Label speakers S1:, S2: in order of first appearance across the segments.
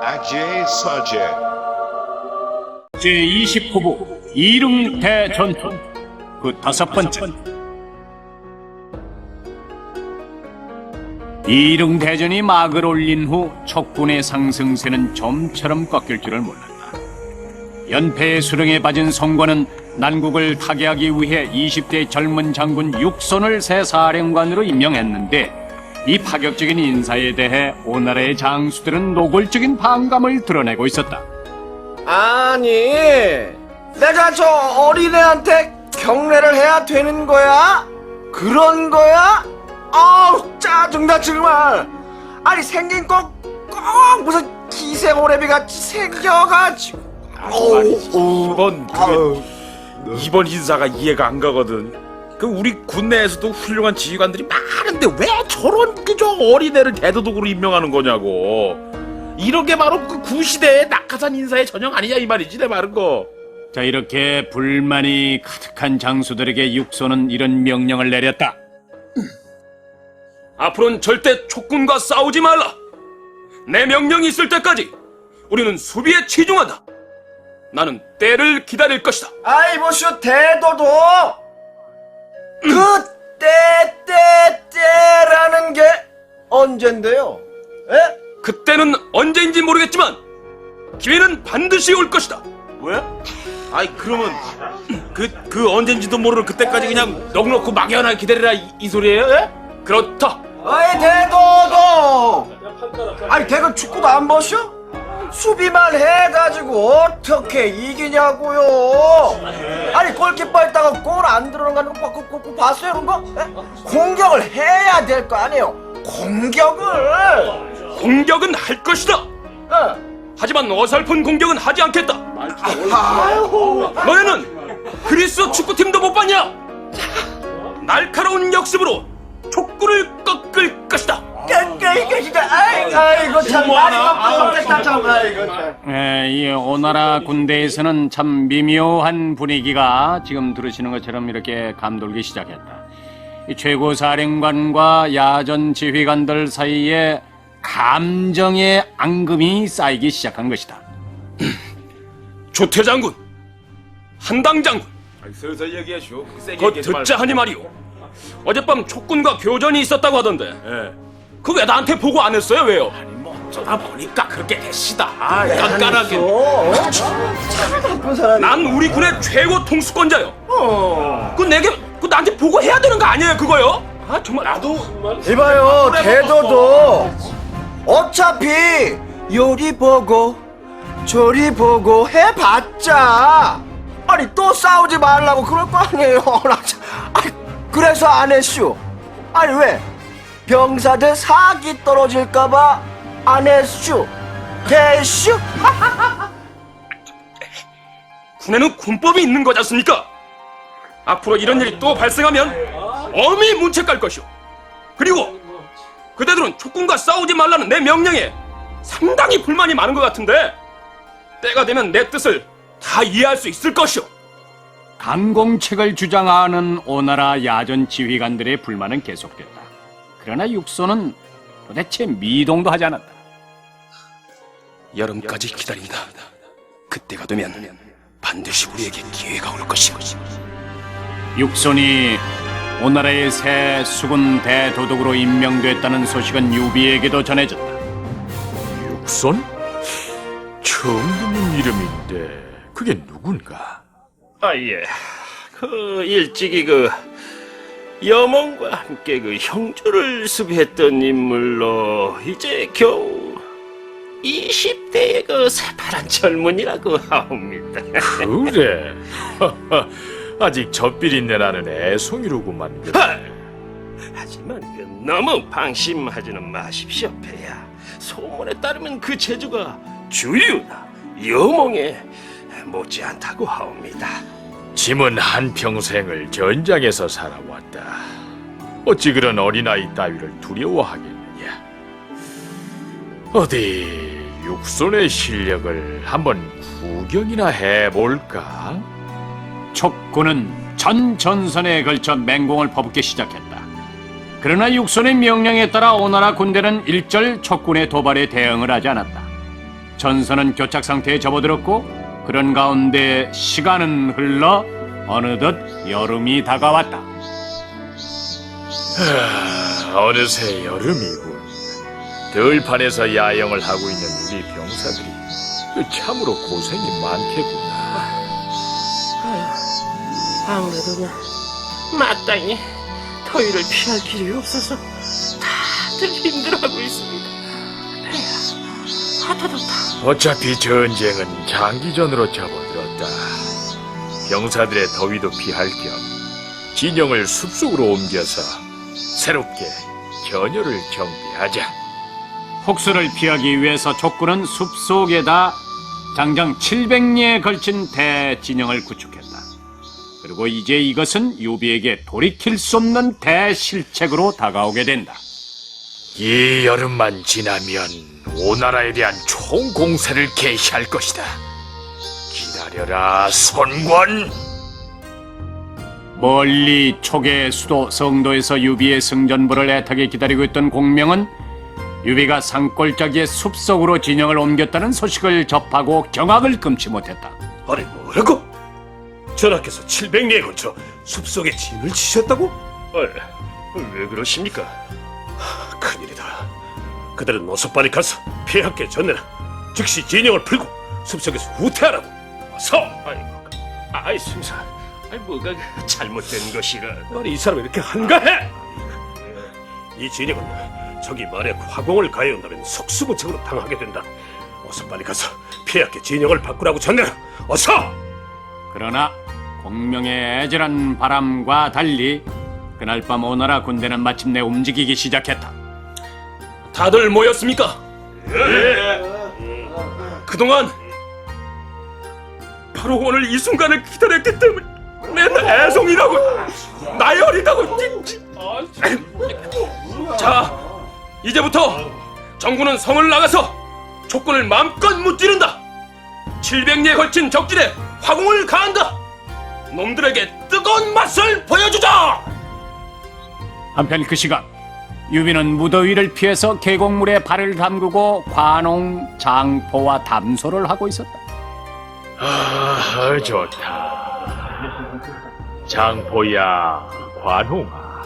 S1: Ajay Sajay.
S2: 제20호부 이릉대전투 그 다섯 번째. 이릉대전이 막을 올린 후 촉군의 상승세는 좀처럼 꺾일 줄을 몰랐다. 연패의 수령에 빠진 성과는 난국을 타개하기 위해 20대 젊은 장군 육손을 새 사령관으로 임명했는데 이 파격적인 인사에 대해 오나라의 장수들은 노골적인 반감을 드러내고 있었다.
S3: 아니, 내가 저 어린애한테 경례를 해야 되는 거야? 그런 거야? 아우, 짜증나, 정말. 아니, 생긴 꼭 무슨 기생오래비 같이 생겨가지고.
S4: 이번 인사가 이해가 안 가거든. 그 우리 군내에서도 훌륭한 지휘관들이 많은데 왜 저런 그저 어린애를 대도독으로 임명하는 거냐고. 이런 게 바로 그 구시대의 낙하산 인사의 전형 아니냐 이 말이지 내 말은 거.
S2: 자, 이렇게 불만이 가득한 장수들에게 육손은 이런 명령을 내렸다.
S5: 앞으로는 절대 촉군과 싸우지 말라. 내 명령이 있을 때까지 우리는 수비에 치중한다. 나는 때를 기다릴 것이다.
S3: 아이, 보쇼, 대도도! 때라는 게 언젠데요? 에?
S5: 그때는 언제인지 모르겠지만 기회는 반드시 올 것이다.
S4: 왜? 아이 그러면 그 언젠지도 모르는 그때까지 그냥 넉넉히 막연하게 기다리라 이 소리예요? 예?
S5: 그렇다.
S3: 아이, 대도도! 아니, 대건 축구도 안 보쇼? 수비만 해가지고 어떻게 이기냐고요? 아니, 골키퍼 했다가 골 안 들어가는 거 봤어요, 그런 거? 에? 공격을 해야 될 거 아니에요? 공격을
S5: 할 것이다.
S3: 에.
S5: 하지만 어설픈 공격은 하지 않겠다.
S3: 아이고.
S5: 너네는 그리스 축구팀도 못 봤냐? 날카로운 역습으로 촉구를 꺾을 것이다.
S3: 이거 진짜 아이고 참 많이 바쁘겠다 참 아이고 참.
S2: 이 오나라 군대에서는 참 미묘한 분위기가 지금 들으시는 것처럼 이렇게 감돌기 시작했다. 이 최고 사령관과 야전 지휘관들 사이에 감정의 앙금이 쌓이기 시작한 것이다.
S5: 조태 장군, 한당 장군,
S4: 슬슬 얘기하시오.
S5: 곧 듣자 하니 말이오. 어젯밤 촉군과 교전이 있었다고 하던데
S4: 예.
S5: 그 왜 나한테 보고 안 했어요? 왜요?
S4: 뭐 어쩌다 보니까 그렇게 됐시다. 깐깐하게.
S3: 나쁜 사람.
S5: 난 우리 군의 최고 통수권자요. 그 내게 그 나한테 보고 해야 되는 거 아니에요, 그거요? 아 정말 나도
S3: 이봐요, 대도도 어차피 요리 보고 조리 보고 해봤자 아니 또 싸우지 말라고 그럴 거 아니에요. 나 참, 아니, 그래서 안 했슈. 아니 왜? 병사들 사기 떨어질까봐 안 했슈. 됐슈?
S5: 군에는 군법이 있는 거지 않습니까? 앞으로 이런 일이 또 발생하면 엄히 문책 갈 것이오. 그리고 그대들은 촉군과 싸우지 말라는 내 명령에 상당히 불만이 많은 것 같은데 때가 되면 내 뜻을 다 이해할 수 있을 것이오.
S2: 강공책을 주장하는 오나라 야전 지휘관들의 불만은 계속됐다. 그러나 육손은 도대체 미동도 하지 않았다.
S5: 여름까지 기다린다. 그때가 되면 반드시 우리에게 기회가 올 것이오.
S2: 육손이 오나라의 새 수군 대도독으로 임명됐다는 소식은 유비에게도 전해졌다.
S6: 육손? 처음 듣는 이름인데 그게 누군가?
S7: 예. 그 일찍이 그 여몽과 함께 그 형주를 수비했던 인물로 이제 겨우 20대의 그 새파란 젊은이라고 하옵니다.
S6: 그래? 아직 젖비린내 나는 애송이로구만.
S7: 하지만 그 너무 방심하지는 마십시오, 폐야. 소문에 따르면 그 재주가 주유나 여몽에 못지않다고 하옵니다.
S6: 짐은 한평생을 전장에서 살아왔다. 어찌 그런 어린아이 따위를 두려워하겠느냐. 어디 육손의 실력을 한번 구경이나 해볼까?
S2: 촉군은 전 전선에 걸쳐 맹공을 퍼붓기 시작했다. 그러나 육손의 명령에 따라 오나라 군대는 일절 촉군의 도발에 대응을 하지 않았다. 전선은 교착 상태에 접어들었고 그런 가운데 시간은 흘러 어느덧 여름이 다가왔다.
S6: 어느새 여름이군. 들판에서 야영을 하고 있는 우리 병사들이 참으로 고생이 많겠구나.
S7: 아무래도 마땅히 더위를 피할 길이 없어서 다들 힘들어하고 있습니다. 배야, 덥다.
S6: 어차피 전쟁은 장기전으로 접어들었다. 병사들의 더위도 피할 겸 진영을 숲속으로 옮겨서 새롭게 견여를 정비하자.
S2: 폭수를 피하기 위해서 족구는 숲속에다 장장 700리에 걸친 대진영을 구축했다. 그리고 이제 이것은 유비에게 돌이킬 수 없는 대실책으로 다가오게 된다.
S6: 이 여름만 지나면 오나라에 대한 총공세를 개시할 것이다. 기다려라, 선권!
S2: 멀리 촉의 수도 성도에서 유비의 승전부를 애타게 기다리고 있던 공명은 유비가 산골짜기의 숲속으로 진영을 옮겼다는 소식을 접하고 경악을 금치 못했다.
S7: 아니 뭐라고? 전하께서 700리에 걸쳐 숲속에 진을 치셨다고? 왜 그러십니까? 큰일이다. 그들은 어서 빨리 가서 폐하께 전해라. 즉시 진영을 풀고 숲속에서 후퇴하라고. 어서! 아이 승사, 뭐가 잘못된 것이라. 아니 이 사람이 이렇게 한가해? 이 진영은 적이 만약 화공을 가해온다면 속수무책으로 당하게 된다. 어서 빨리 가서 폐하께 진영을 바꾸라고 전해라. 어서!
S2: 그러나 공명의 애절한 바람과 달리 그날 밤 오나라 군대는 마침내 움직이기 시작했다.
S5: 다들 모였습니까? 그동안 바로 오늘 이 순간을 기다렸기 때문에 내 애송이라고 나열이라고. 자, 이제부터 정군은 성을 나가서 촉군을 마음껏 무찌른다. 700리에 걸친 적진에 화공을 가한다. 놈들에게 뜨거운 맛을 보여주자.
S2: 한편 그 시간 유비는 무더위를 피해서 계곡물에 발을 담그고 관홍, 장포와 담소를 하고 있었다.
S6: 좋다. 장포야, 관홍아.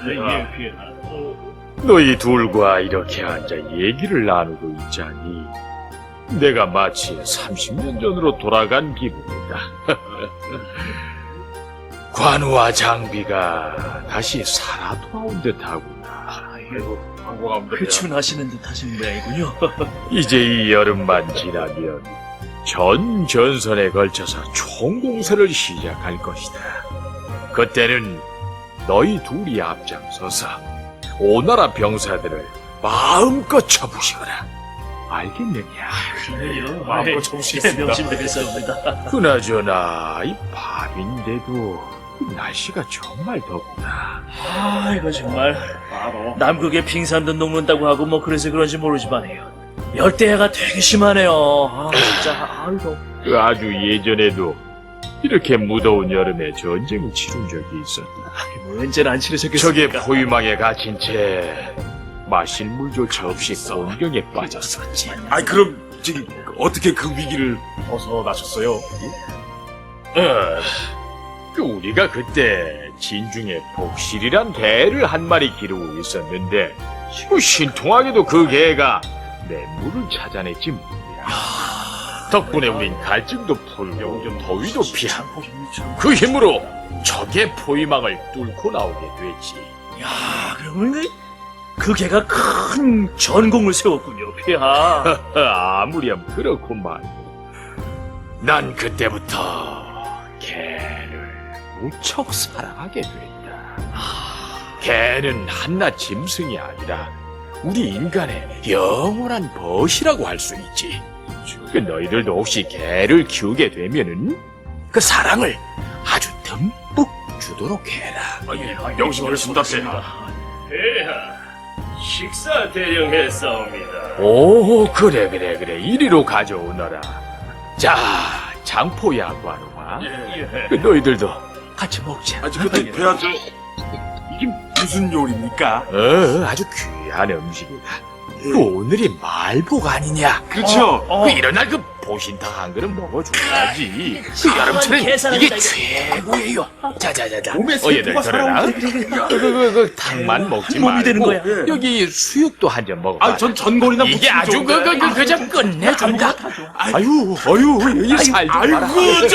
S6: 너희 둘과 이렇게 앉아 얘기를 나누고 있자니 내가 마치 30년 전으로 돌아간 기분이다. 관우와 장비가 다시 살아 돌아온 듯하구나.
S1: 회춘하시는 듯 하신 모양이군요.
S6: 이제 이 여름만 지나면 전 전선에 걸쳐서 총공세를 시작할 것이다. 그때는 너희 둘이 앞장서서 오나라 병사들을 마음껏 쳐부시거라. 알겠느냐?
S1: 그래요. 마음껏 쳐부시겠습니다. 명심되겠습니다.
S6: 그나저나 이 밤인데도 날씨가 정말 덥구나.
S1: 이거 정말 남극에 빙산도 녹는다고 하고 뭐 그래서 그런지 모르지만요. 열대야가 되게 심하네요. 진짜 아이고.
S6: 아주 예전에도 이렇게 무더운 여름에 전쟁을 치른 적이 있었다.
S1: 뭐 언제나 안 치르셨겠습니까?
S6: 적의 포위망에 갇힌 채 마실 물조차 없이 곤경에 빠졌었지.
S4: 그럼 지금 어떻게 그 위기를
S1: 벗어나셨어요?
S6: 우리가 그때 진중에 복실이란 개를 한 마리 기르고 있었는데 신통하게도 그 개가 내 물을 찾아냈지 뭐야. 덕분에 우린 갈증도 풀고 더위도 피하고 그 힘으로 적의 포위망을 뚫고 나오게 됐지.
S1: 그러면 그 개가 큰 전공을 세웠군요, 폐하.
S6: 아무렴 그렇고 말고 난 그때부터 개를 무척 사랑하게 됐다. 개는 한낱 짐승이 아니라 우리 인간의 영원한 벗이라고 할 수 있지. 그 너희들도 혹시 개를 키우게 되면은 그 사랑을 아주 듬뿍 주도록 해라.
S4: 명심하겠습니다, 폐하.
S7: 폐하, 식사 대령했사옵니다.
S6: 오, 그래. 이리로 가져오너라. 자, 장포야, 관우아. 그 너희들도 같이 먹자.
S4: 근데 폐하 이게 무슨 요리입니까?
S6: 아주 귀한 음식이다. 그 오늘이 말복 아니냐?
S4: 그렇죠.
S6: 그 이런 날 그 보신탕 한 그릇 먹어줘야지. 그 여름철엔
S1: 계산을
S6: 이게
S1: 한다,
S6: 최고예요. 자자자자.
S4: 몸에
S6: 얘들
S4: 세포가
S6: 들어라. 그 탕만 먹지 말고
S1: 되는 거야.
S6: 여기 수육도 한 점 먹어봐.
S4: 아, 전 전골이나
S6: 이게 아주 그저 끝내준다. 아유, 이 살도 봐라.
S4: 아이고,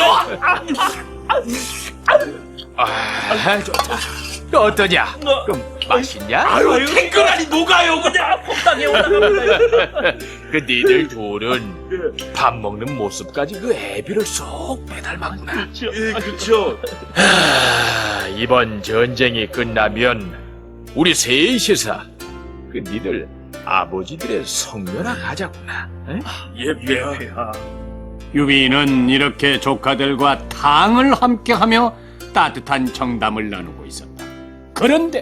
S6: 아, 좋다. 어떠냐? 그럼 맛있냐?
S4: 아유, 탱글하니 녹아요, 그냥.
S1: 폭당에 올라갑니다.
S6: 그 니들 둘은 밥 먹는 모습까지 그 애비를 쏙 빼닮았구나.
S4: 예, 그렇죠.
S6: 이번 전쟁이 끝나면 우리 셋이서 그 니들 아버지들의 성묘나 가자꾸나. 에?
S4: 예, 폐하.
S2: 유비는 이렇게 조카들과 탕을 함께하며 따뜻한 정담을 나누고 있었다. 그런데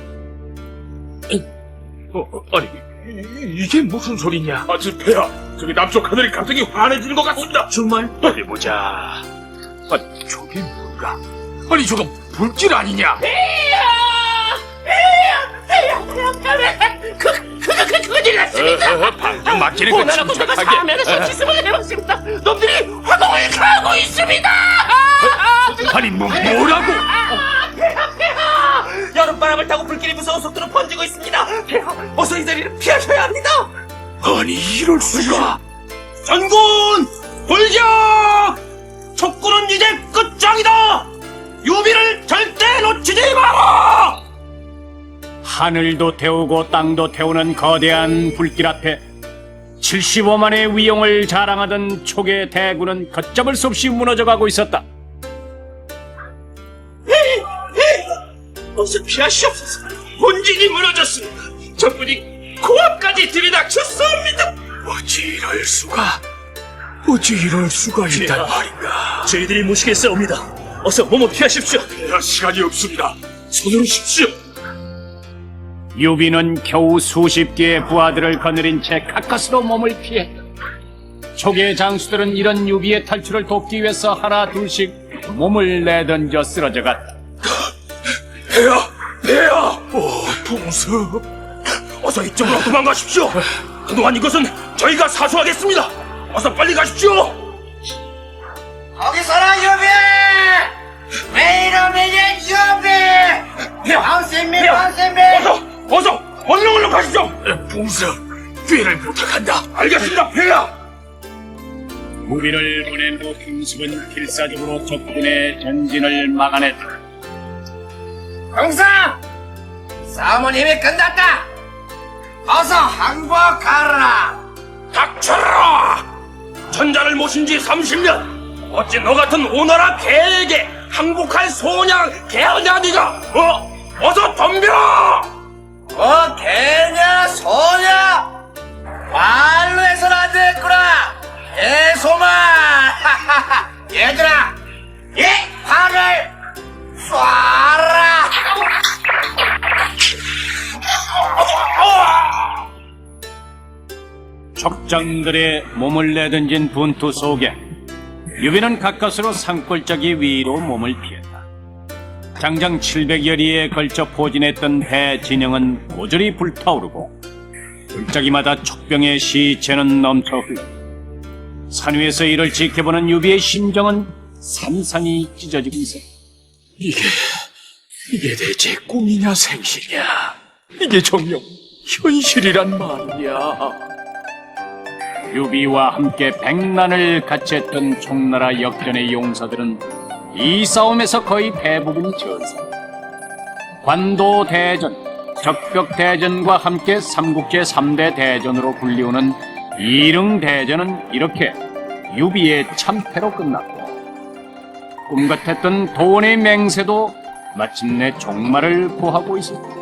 S6: 아니 이게 무슨 소리냐?
S4: 아, 저 폐하. 저기 남쪽 하늘이 갑자기 환해지는 것 같습니다.
S1: 정말?
S6: 어디 보자. 아니 저게 뭔가? 아니 저거 불길 아니냐?
S1: 큰일 났습니다.
S6: 방금 막히는 거
S1: 오나라 군대가
S6: 침착하게.
S1: 사면에서 기습을 해봤습니다. 놈들이 화동을 가고 있습니다.
S6: 아니 뭐라고?
S1: 여름바람을 타고 불길이 무서운 속도로 번지고 있습니다. 어서 이 자리를 피하셔야 합니다.
S6: 아니 이럴 수가?
S5: 전군 돌격! 촉구는 이제 끝장이다. 유비를 절대 놓치지 마라.
S2: 하늘도 태우고 땅도 태우는 거대한 불길 앞에 75만의 위용을 자랑하던 촉의 대군은 걷잡을 수 없이 무너져가고 있었다.
S5: 어서 피하시옵소서. 본진이 무너졌습니다. 적군이 코앞까지 들이닥쳤습니다.
S6: 어찌 이럴 수가 있단 말인가?
S1: 저희들이 무시겠사옵니다. 어서 몸을 피하십시오.
S4: 폐하, 시간이 없습니다. 서두르십시오.
S2: 유비는 겨우 수십 개의 부하들을 거느린 채 가까스로 몸을 피했다. 촉의 장수들은 이런 유비의 탈출을 돕기 위해서 하나 둘씩 몸을 내던져 쓰러져갔다.
S5: 폐하! 풍습! 어서 이쪽으로 도망가십시오. 그동안 이것은 저희가 사수하겠습니다. 어서 빨리 가십시오.
S3: 거기서라 유비! 왜 이러면 유비! 방심미 방심미!
S5: 어서 얼른 가시죠.
S6: 풍습, 뒤를 부탁한다.
S5: 알겠습니다, 폐하.
S2: 무비를 보낸 후 풍습은 필사적으로 적군의 전진을 막아냈다.
S3: 형사! 싸움은 이미 끝났다! 어서 항복하라!
S5: 닥쳐라! 전자를 모신 지 30년. 어찌 너 같은 오나라 개에게 항복할 소냥 개하냐 니가? 어서 덤벼!
S3: 개냐 소냐! 말로 해서는 안 되겠구나! 개소마! 얘들아! 이 팔을 쏴라!
S2: 적장들의 몸을 내던진 분투 속에 유비는 가까스로 산골짜기 위로 몸을 피했다. 장장 700여리에 걸쳐 포진했던 배 진영은 모조리 불타오르고 골짜기마다 촉병의 시체는 넘쳐 흘렀다. 산 위에서 이를 지켜보는 유비의 심정은 산산이 찢어지고 있었다.
S6: 이게 대체 꿈이냐 생시냐? 이게 정녕 현실이란 말이야.
S2: 유비와 함께 백난을 같이 했던 총나라 역전의 용사들은 이 싸움에서 거의 대부분이 전사. 관도 대전, 적벽 대전과 함께 삼국제 3대 대전으로 불리우는 이릉 대전은 이렇게 유비의 참패로 끝났고, 꿈같았던 도원의 맹세도 마침내 종말을 구하고 있었다.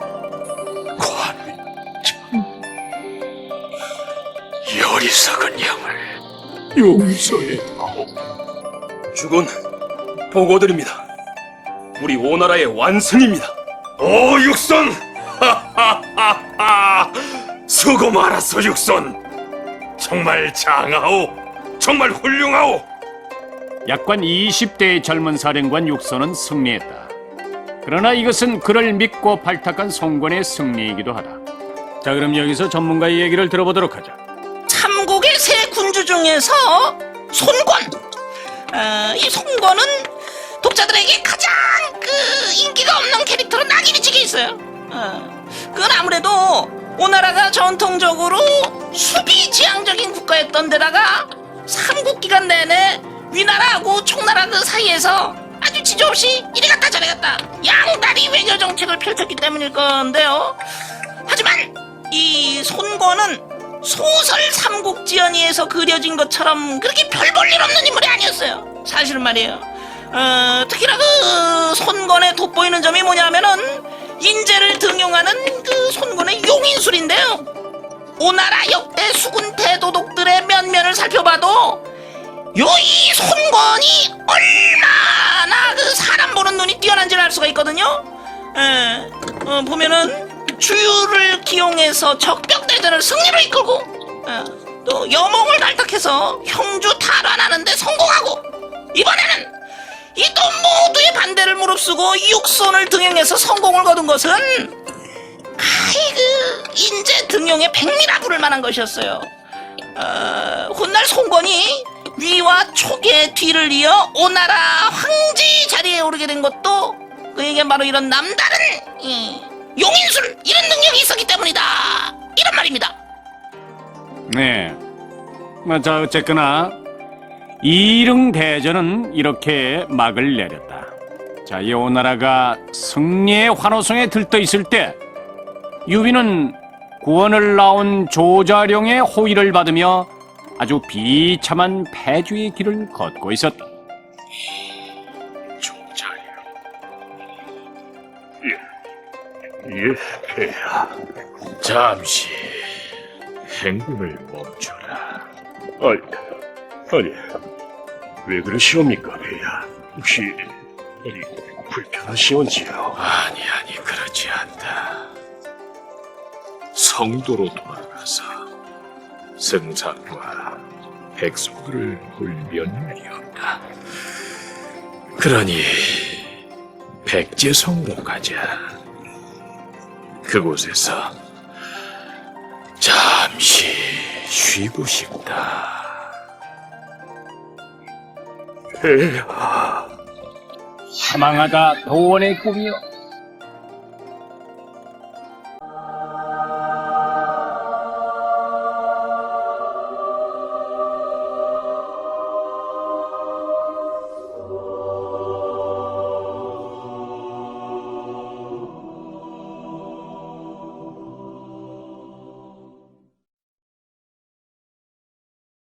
S6: 어리석은 영을 용서해다오.
S5: 주군, 보고드립니다. 우리 오나라의 완승입니다.
S7: 오, 육선! 하하하하! 수고 많았어, 육선! 정말 장하오! 정말 훌륭하오!
S2: 약관 20대의 젊은 사령관 육선은 승리했다. 그러나 이것은 그를 믿고 발탁한 송권의 승리이기도 하다. 자, 그럼 여기서 전문가의 얘기를 들어보도록 하자.
S8: 삼국의 세 군주 중에서 손권. 이 손권은 독자들에게 가장 인기가 없는 캐릭터로 낙인이 찍혀 있어요. 그건 아무래도 오나라가 전통적으로 수비지향적인 국가였던 데다가 삼국 기간 내내 위나라하고 총나라 그 사이에서 아주 지저없이 이리 갔다 저리 갔다 양다리 외교 정책을 펼쳤기 때문일 건데요. 하지만 이 손권은 소설 삼국지연의에서 그려진 것처럼 그렇게 별 볼 일 없는 인물이 아니었어요. 사실은 말이에요. 특히나 그 손권의 돋보이는 점이 뭐냐면은 인재를 등용하는 그 손권의 용인술인데요. 오나라 역대 수군 대도독들의 면면을 살펴봐도 이 손권이 얼마나 그 사람 보는 눈이 뛰어난지를 알 수가 있거든요. 보면은 주유를 기용해서 적벽대전을 승리로 이끌고 또 여몽을 발탁해서 형주 탈환하는데 성공하고 이번에는 이 또 모두의 반대를 무릅쓰고 육손을 등용해서 성공을 거둔 것은 인재 등용의 백미라부를 만한 것이었어요. 훗날 송건이 위와 촉의 뒤를 이어 오나라 황제 자리에 오르게 된 것도 그에게 바로 이런 남다른 용인술 이런 능력이 있었기 때문이다 이런 말입니다.
S2: 네. 자, 어쨌거나 이릉대전은 이렇게 막을 내렸다. 자, 이 오나라가 승리의 환호성에 들떠 있을 때 유비는 구원을 나온 조자룡의 호의를 받으며 아주 비참한 패주의 길을 걷고 있었다.
S7: 조자룡. 예, 폐하.
S6: 잠시 행군을 멈춰라.
S7: 아니, 왜 그러시옵니까, 폐하? 혹시 불편하시온지요?
S6: 아니, 그렇지 않다. 성도로 돌아가서 승상과 백성들을 볼 면목이 없다. 그러니 백제성으로 가자. 그곳에서 잠시 쉬고 싶다.
S7: 폐하.
S2: 사망하다 도원의 꿈이여